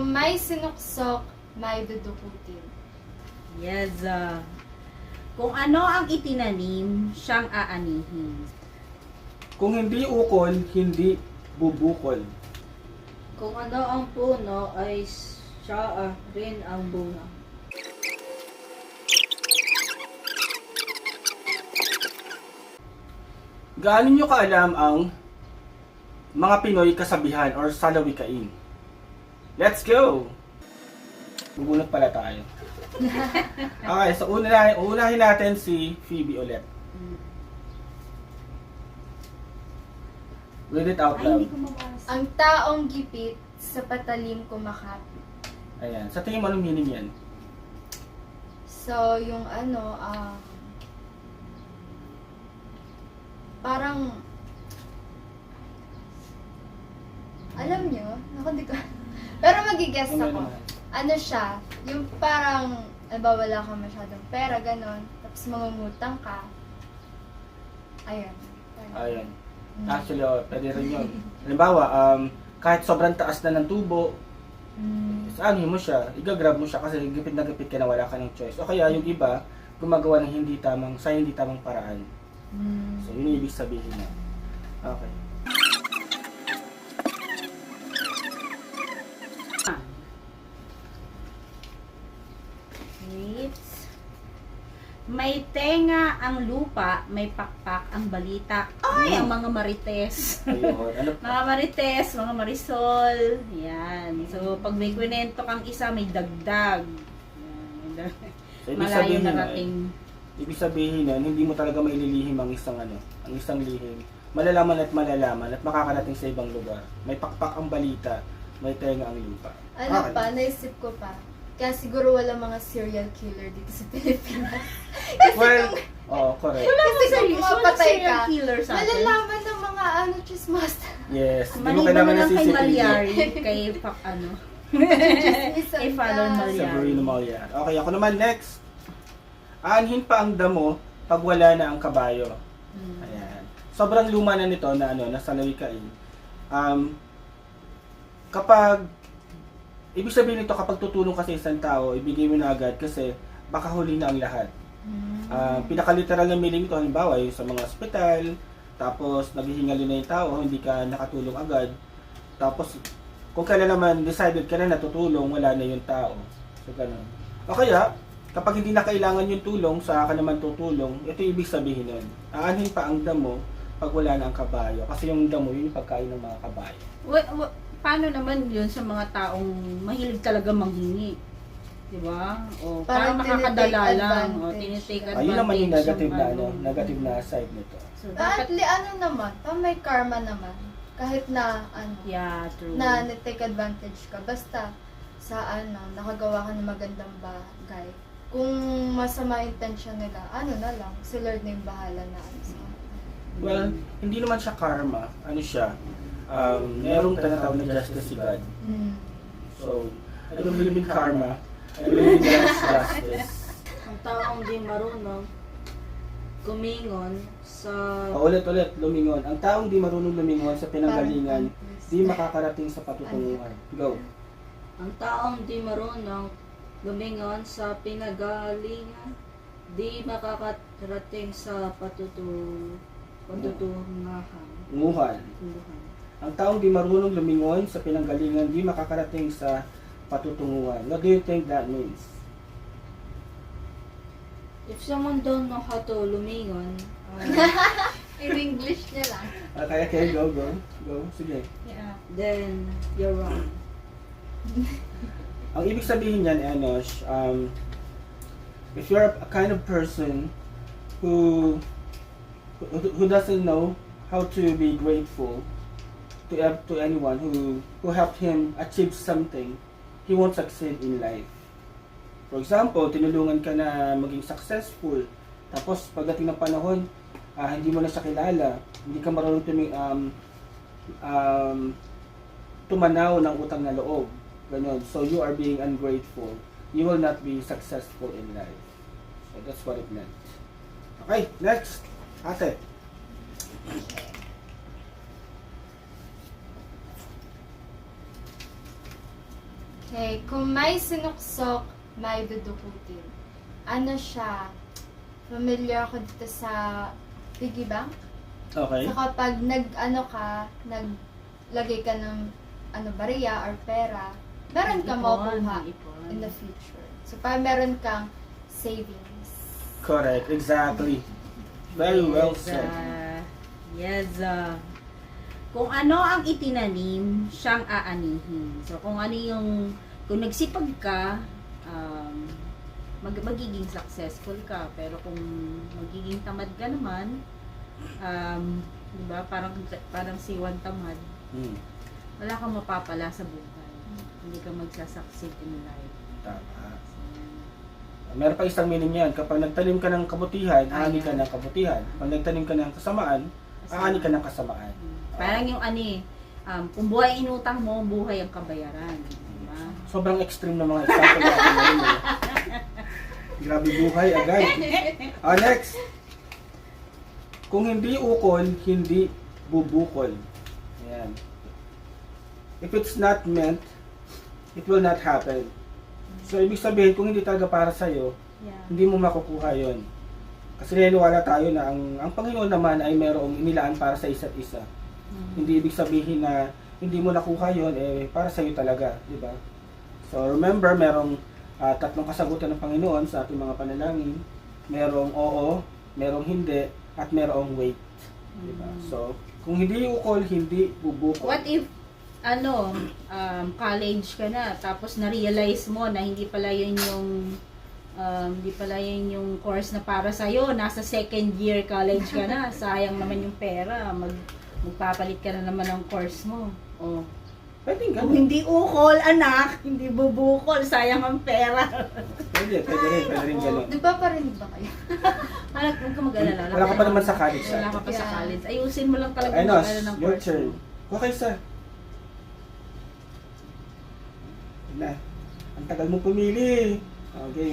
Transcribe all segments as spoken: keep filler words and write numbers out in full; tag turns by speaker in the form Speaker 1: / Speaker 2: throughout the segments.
Speaker 1: may sinuksok, may dudukutin.
Speaker 2: Yes. ah. Kung ano ang itinanim, siyang aanihin.
Speaker 3: Kung hindi ukol, hindi bubukol.
Speaker 4: Kung ano ang puno ay siya ah, rin ang bunga.
Speaker 3: Gaano nyo kaalam ang mga Pinoy kasabihan or salawikain? Let's go! Bubunot pala tayo. Okay, so una, unahin natin si Phoebe ulit. Read it out
Speaker 2: Ay,
Speaker 3: loud.
Speaker 2: hindi ko mabasa.
Speaker 1: Ang taong gipit sa patalim kumakapit.
Speaker 3: Ayan. Sa tingin mo anong meaning yan?
Speaker 1: So, yung ano, ah, parang, alam nyo, ako di ko, pero magigess
Speaker 3: Ano
Speaker 1: ako.
Speaker 3: naman?
Speaker 1: Ano siya, yung parang, ba wala kang masyadong pera, ganon, tapos mangungutang ka. Ayun.
Speaker 3: Ayan.
Speaker 1: Mm.
Speaker 3: Actually, oh, pwede rin yun. Halimbawa, um, kahit sobrang taas na ng tubo,
Speaker 1: Mm.
Speaker 3: ano mo siya, igagrab mo siya kasi gipit na gipit ka na wala ka ng choice. O kaya yung iba, gumagawa ng hindi tamang, sa hindi tamang paraan.
Speaker 1: Mm.
Speaker 3: So, yun yung ibig sabihin na. Okay.
Speaker 2: Wait. May tenga ang lupa, may pakpak ang balita. Ay, ang mga marites.
Speaker 3: Ayun. Ano pa?
Speaker 2: Mga marites, mga marisol. Yan. So, pag may kwento kang isa, may dagdag. Yan.
Speaker 3: So, ibig
Speaker 2: Malayo
Speaker 3: sabihin nun,
Speaker 2: narating.
Speaker 3: ibig sabihin nun, hindi mo talaga maililihim ang isang ano, ang isang lihim. Malalaman at malalaman at makakarating sa ibang lugar. May pakpak ang balita, may tenga ang lupa.
Speaker 1: Ano
Speaker 3: Okay.
Speaker 1: pa, naisip ko pa. Kaya siguro wala mga serial killer dito sa Pilipinas. Kasi
Speaker 3: Well,
Speaker 1: kung,
Speaker 3: oh, correct.
Speaker 2: Wala
Speaker 1: Kasi
Speaker 2: kasi
Speaker 1: kung mapatay ka,
Speaker 2: killer sa atin.
Speaker 1: malalaman ng mga ano, chismas.
Speaker 3: Yes, hindi mo
Speaker 2: Maliban
Speaker 3: kailangan
Speaker 2: na
Speaker 3: ng
Speaker 2: lang
Speaker 3: C
Speaker 2: kay
Speaker 3: C T V.
Speaker 2: Malyari, kay pak ano.
Speaker 1: Chismisan
Speaker 2: Kay Fallon
Speaker 1: ka.
Speaker 2: Malyari.
Speaker 3: Sa Bruno Malyar. Okay, ako naman next. Aanhin pa ang damo pag wala na ang kabayo.
Speaker 2: Hmm.
Speaker 3: Ayan. Sobrang luma na nito na ano, na salawikain. Um, kapag ibig sabihin nito kapag tutulong ka sa isang tao, ibigay mo na agad kasi baka huli na ang lahat.
Speaker 1: Mm.
Speaker 3: Uh, pinaka-literal na meaning ito, halimbawa, yung sa mga ospital, tapos naghihingali na yung tao, hindi ka nakatulong agad. Tapos, kung kailan naman decided ka na natutulong, wala na yung tao. So, ganun. O kaya, kapag hindi na kailangan yung tulong, sa ka naman tutulong, ito yung ibig sabihin nun. Aanhin pa ang damo pag wala na ang kabayo. Kasi yung damo, yun yung pagkain ng mga kabayo.
Speaker 2: Wa- wa- paano naman yun sa mga taong mahilig talaga manghingi? Diba? O,
Speaker 1: Parang
Speaker 2: parang makakadala
Speaker 1: tinitake
Speaker 2: lang. O,
Speaker 1: advantage.
Speaker 2: tinitake advantage.
Speaker 3: Ayun naman yung negative na, ano,
Speaker 2: ano.
Speaker 3: negative na side nito.
Speaker 2: So,
Speaker 1: At
Speaker 2: dapat,
Speaker 1: li, ano naman, pa may karma naman. Kahit na, ano,
Speaker 2: yeah, true.
Speaker 1: na na-take advantage ka. Basta, sa ano, nakagawa ka ng magandang bagay. Kung masama intention nila, ano na lang, si Lord na yung bahala na ano sa
Speaker 3: Well, hindi naman siya karma. Ano siya? Um, merong tinatawag na justice si God.
Speaker 1: Mm.
Speaker 3: So, I don't believe in karma. I believe in God's justice.
Speaker 4: Ang taong di marunong kumingon sa
Speaker 3: Paulit-ulit, lumingon. Ang taong di marunong lumingon sa pinanggalingan, di makakarating sa patutunguhan. Go.
Speaker 4: ang taong di marunong lumingon sa pinagalingan, di makakarating sa patutu patutungahan.
Speaker 3: Nguhan.
Speaker 4: Tunduhan.
Speaker 3: Ang taong di marunong lumingon sa pinanggalingan, di makakarating sa patutunguhan. What do you think that means?
Speaker 4: If someone don't know how to lumingon, uh,
Speaker 1: In English niya lang.
Speaker 3: Okay, okay, go, go. Go, sige.
Speaker 2: Yeah.
Speaker 4: then you're wrong.
Speaker 3: Ang ibig sabihin niyan, Enosh, um, if you're a kind of person who who, who doesn't know how to be grateful to ev- to anyone who who helped him achieve something, he won't succeed in life. For example, tinulungan ka na maging successful, tapos pagdating ng panahon, ah, hindi mo na siya kilala, hindi ka marunong tumi- um, um, tumanaw ng utang na loob. Ganon. So you are being ungrateful. You will not be successful in life. So that's what it meant. Okay, next. Ate.
Speaker 1: Okay, kung may sinuksok, may dudukutin. Ano siya? Familiar ako dito sa piggy bank.
Speaker 3: Okay.
Speaker 1: So kapag nag-ano ka, naglagay ka ng ano, bariya or pera, meron ka
Speaker 2: Ipon,
Speaker 1: makukuha
Speaker 2: ipon.
Speaker 1: in the future. So parang meron kang savings.
Speaker 3: Correct. Exactly. Very well
Speaker 2: Yes,
Speaker 3: said.
Speaker 2: ah, yes. ah. Kung ano ang itinanim, siyang aanihin. So, kung ano yung, kung nagsipag ka, um, mag, magiging successful ka. Pero kung magiging tamad ka naman, um, di ba, parang, parang siwan tamad,
Speaker 3: Hmm.
Speaker 2: wala kang mapapala sa buhay. Hindi ka magsasucceed in life.
Speaker 3: Tama.
Speaker 2: So,
Speaker 3: Meron pa isang meaning yan. Kapag nagtanim ka ng kabutihan, aani ka
Speaker 2: Ayan.
Speaker 3: ng kabutihan. Pag nagtanim ka ng kasamaan, aani ka ng kasamaan.
Speaker 2: Hmm. Parang yung ano eh, um, kung buhay inutang mo, buhay ang kabayaran. Diba?
Speaker 3: Sobrang extreme na mga example natin ngayon. eh. Grabe buhay agad. Ah, next. Kung hindi ukol, hindi bubukol. Ayan. If it's not meant, it will not happen. So, ibig sabihin, kung hindi talaga para sa'yo,
Speaker 2: Yeah.
Speaker 3: hindi mo makukuha yon. Kasi naniniwala tayo na ang, ang Panginoon naman ay mayroong inilaan para sa isa't isa.
Speaker 2: Mm.
Speaker 3: Hindi ibig sabihin na hindi mo nakuha yon, eh, para sa'yo talaga, di ba? So, remember, merong ah, tatlong kasagutan ng Panginoon sa ating mga panalangin. Merong oo, merong hindi, at merong wait. Di ba?
Speaker 2: Mm.
Speaker 3: So, kung hindi ukol, hindi bubukol.
Speaker 2: What if, ano, um, college ka na, tapos na-realize mo na hindi pala yun yung, um, hindi pala yun yung course na para sa'yo, nasa second year college ka na, sayang naman yung pera, mag, magpapalit ka na naman ng course mo. Oh.
Speaker 3: Pwede
Speaker 2: Kung
Speaker 3: ganun.
Speaker 2: hindi ukol, anak, hindi bubukol, sayang ang pera.
Speaker 3: Pwede, pwede rin, pwede rin ganun.
Speaker 1: Di ba pa rin ba kayo?
Speaker 2: Anak, huwag ka mag-alala.
Speaker 3: Wala ka pa naman sa college,
Speaker 2: Wala ka pa sa
Speaker 1: Yeah.
Speaker 2: college. Ayusin mo lang talaga
Speaker 3: Ay,
Speaker 2: mag
Speaker 3: Nos,
Speaker 2: ng
Speaker 3: your
Speaker 2: course
Speaker 3: turn.
Speaker 2: mo.
Speaker 3: Okay, sir. Na. Ang tagal mo pumili. Okay.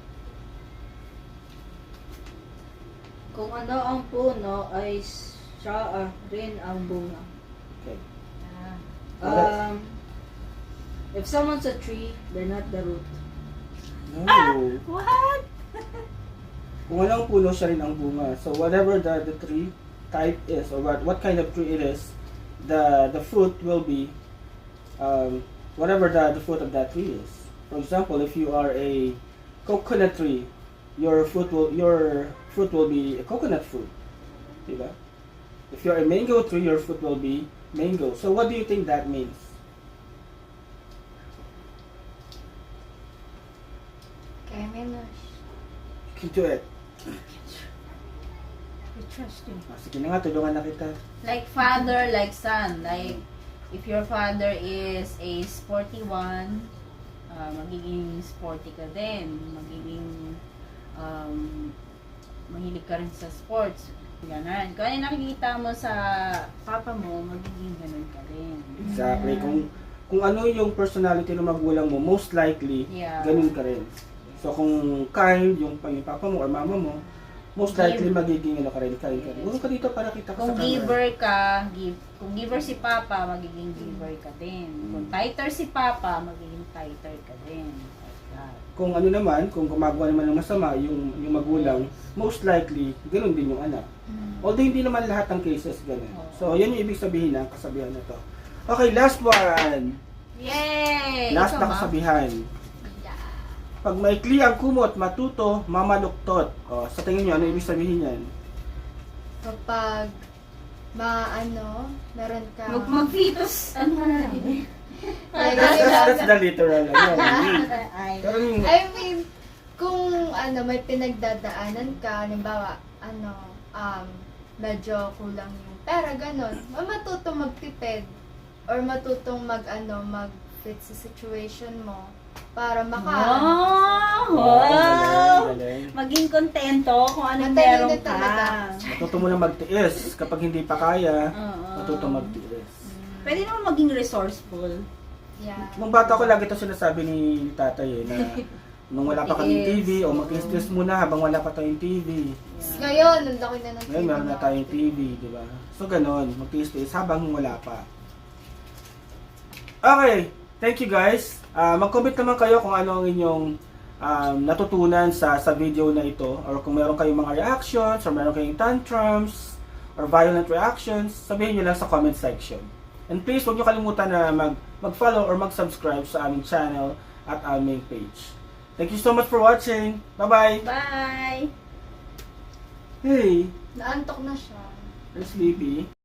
Speaker 4: Kung ano ang puno ay siya ah, rin ang bunga.
Speaker 3: Okay.
Speaker 2: Ah.
Speaker 4: Um, if someone's a tree, they're not the root.
Speaker 3: No.
Speaker 2: What?
Speaker 3: Kung ano ang puno, siya rin ang bunga. So, whatever the, the tree type is, or what, what kind of tree it is, the the fruit will be um, whatever the, the fruit of that tree is. For example, if you are a coconut tree, your fruit will your fruit will be a coconut fruit. Diba? If you're a mango tree, your fruit will be mango. So what do you think that means?
Speaker 1: Kaya menos.
Speaker 3: Into it.
Speaker 2: I trust you.
Speaker 3: Ah, sige na nga, tulungan na kita.
Speaker 2: Like father, like son. Like, if your father is a sporty one, uh, magiging sporty ka din. Magiging, um, mahilig ka rin sa sports. Ganon. Kung ano yung nakikita mo sa papa mo, magiging ganon ka rin.
Speaker 3: Exactly. Kung kung ano yung personality ng magulang mo, most likely,
Speaker 2: Yeah.
Speaker 3: ganun ka rin. So kung kind, yung, yung papa mo or mama mo, most likely
Speaker 2: Give.
Speaker 3: magiging ano ka rin, kind ka rin. Huwag ka dito para kita ka
Speaker 2: Kung
Speaker 3: sa camera.
Speaker 2: giver ka, give, kung giver si papa, magiging giver ka din. Kung tighter si papa, magiging tighter ka din. Like that.
Speaker 3: Kung ano naman, kung gumagawa naman ng masama yung, yung magulang, most likely, ganun din yung anak.
Speaker 1: Mm.
Speaker 3: Although hindi naman lahat ng cases ganun.
Speaker 2: Oo.
Speaker 3: So yan yung ibig sabihin ng kasabihan na to. Okay, last one.
Speaker 2: Yay!
Speaker 3: Last
Speaker 2: Ikaw
Speaker 3: na
Speaker 2: ba?
Speaker 3: kasabihan.
Speaker 1: Yeah.
Speaker 3: Pag maikli ang kumot, matuto, mamaluktot. O, sa tingin nyo, ano ibig sabihin yan?
Speaker 1: Kapag maano, meron ka.
Speaker 2: Mag mag-fetus. Ano na?
Speaker 1: Ay,
Speaker 3: That's,
Speaker 1: ganun
Speaker 3: that's,
Speaker 1: lang.
Speaker 3: that's the literal. Ano, hindi.
Speaker 2: Ay.
Speaker 3: Pero yung,
Speaker 1: I mean, kung ano, may pinagdadaanan ka, halimbawa, ano, um, medyo kulang yung pera, ganon, matutong magtipid or matutong mag, ano, mag-fit sa situation mo para maka,
Speaker 2: Wow!
Speaker 3: Oh,
Speaker 2: Wow!
Speaker 3: galing, galing.
Speaker 2: Maging kontento kung anong
Speaker 1: Matalino
Speaker 2: meron ka.
Speaker 1: talaga.
Speaker 3: Matuto mo na magtiis. Kapag hindi pa kaya,
Speaker 2: Oo.
Speaker 3: matuto magtiis.
Speaker 2: Pwede naman maging resourceful.
Speaker 1: yeah.
Speaker 3: Nung bata ko, lagi ito sinasabi ni tatay eh, na nung wala pa kaming T V, o mag-tiis muna habang wala pa tayong T V.
Speaker 1: Ngayon, ang laki na ng
Speaker 3: Ngayon, meron na tayong T V, di ba? So, ganon, mag-tiis habang wala pa. Okay, thank you guys. Ah, mag-comment naman kayo kung ano ang inyong um, natutunan sa sa video na ito, or kung meron kayong mga reactions, or meron kayong tantrums, or violent reactions, sabihin nyo lang sa comment section. And please, huwag nyo kalimutan na mag, mag-follow or mag-subscribe sa aming channel at aming page. Thank you so much for watching. Bye-bye!
Speaker 2: Bye!
Speaker 3: Hey,
Speaker 1: Naantok na siya.
Speaker 3: I'm sleepy.